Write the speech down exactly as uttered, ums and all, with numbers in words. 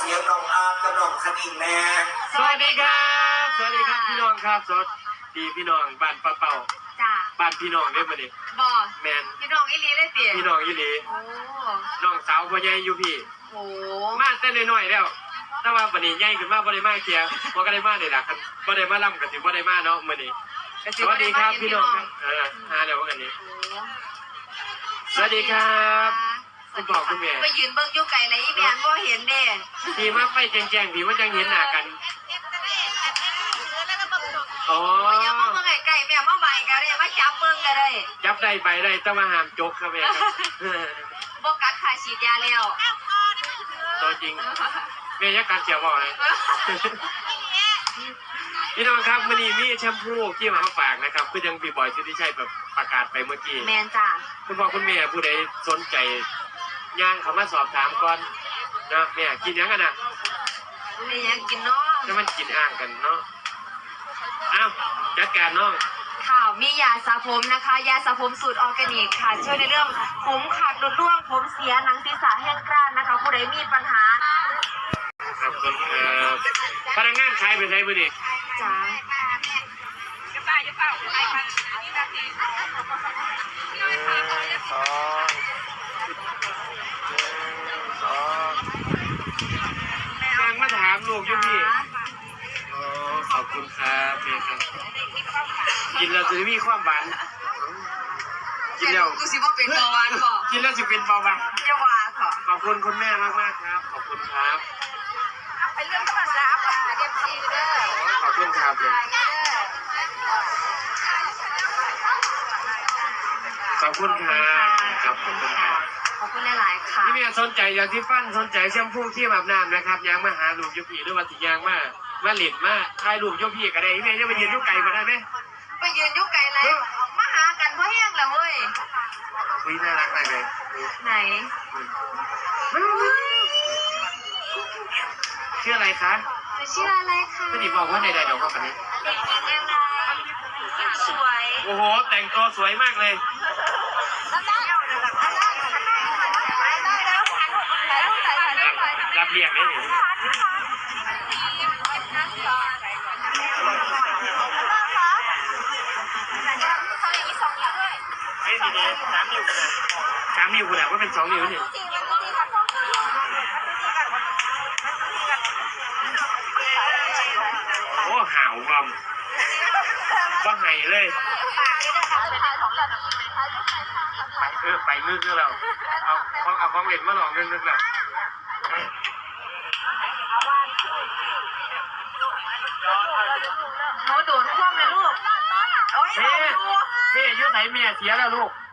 สียงน้องอาร์ตกับน้องคณิงแน่สวัสดีครับสวัสดีครับพี่น้องครับสวัสดีพี่น้องบ้านป้าเป่าจ้าบ้านพี่น้องได้มาดิบอแมนพี่น้องอีลีได้เตี๋ยพี่น้องอีหลีโอ้น้องสาวพ่อใหญ่อยู่พี่โอ้มาแต่น้อยๆแล้วแต่ว่าวันนี้ใหญ่ขึ้นมาบ่ได้มาเคียบ่ก็ได้มาได้ล่ะครับบ่ได้มาล่ำกันสิบ่ได้มาเนาะมื้อนี้สวัสดีครับพี่น้องครับเออหาแล้วว่ากันนี้สวัสดีครับคุณพ่อคุณแม่ไปยืนเบิ่งอยู่ไกลเลยอีแม่บ่เห็นเด้พี่มาไปแจ้งๆพี่ว่าจังเห็นหน้ากันอ๋ออย่ามาเบิ่งไกลๆแม่มาใบกันเลยมาจับเบิ่งกันเลยจับได้ใบได้แต่ว่าห้ามจกครับแม่ครับบ่กัดขาฉีดยาแล้วตัวจริงแม่ยักกัดเขียวบ่อยพี่น้องครับวันนี้มีแชมพูที่มาฝากนะครับคือยังพี่บอยสิทธิชัยแบบประกาศไปเมื่อกี้แมนจ้าคุณพ่อคุณแม่ผู้ใดสนใจย่างเขามาสอบถามก่อนนะแม่กินยังกันนะไม่ยังกินเนาะแล้วมันกินอ่างกันเนาะอ้าวจัดการน้องข่าวมียาสระผมนะคะยาสระผมสูตรออร์แกนิกค่ะช่วยในเรื่องผมขาดหลุดร่วงผมเสียหนังศีรษะแห้งกร้านนะคะผู้ใดมีปัญหาขอบคุณครับพนักงานขายไปใช้บุรีจ้าจะป้าจะป้าไปค่ะสองสองนางมาถามลูกยุพี่อ๋อขอบคุณครับเพื่อนครับกินแล้วจะมีความหวานกินแล้วกูสิว่าเป็นเบาหวานก่อกินแล้วจะเป็นเบาหวานจะหวานค่ะขอบคุณคุณแม่มากมากครับขอบคุณครับเป็นเรื่องธรรมดาค่ะเด็กซีเด้อขอบคุณครับเลยขอบคุณครับขอบคุณครับขอบคุณหลายๆค่ะที่นี่สนใจอยากที่ฟันสนใจแชมพูที่อาบน้ำนะครับยางมาหาลูกยุพีหรือว่าสิยางมามาหลิดมาถ่ายรูปยุพีก็ได้ที่นี่จะไปยืนยุไก่มาได้ไหมไปยืนยุไก่เลยมาหากันเพราะแห้งแล้วเว้ยคุยน่ารักมากเลยไหนชื่ออะไรคะชื่ออะไรคะไม่ได้บอกว่าในใดเดี๋ยวก็คนนี้เด็กหญิงยังไงสวยโอ้โหแต่งตัวสวยมากเลยรับเรียกได้หรือเฮ้ยดีๆสามนิ้วกันสามนิ้วกันว่าเป็นสองนิ้วนี่โอ้ห่าวงอมก็ไห้เลยไปเออไปนึกนึกเราเอาของเอาของเล่นมาหลอกนึกนึกเราโอ้โดนคว่ำเลยลูกโอ้ยเมียเมียยุ่งไหนเมียเสียแล้วลูก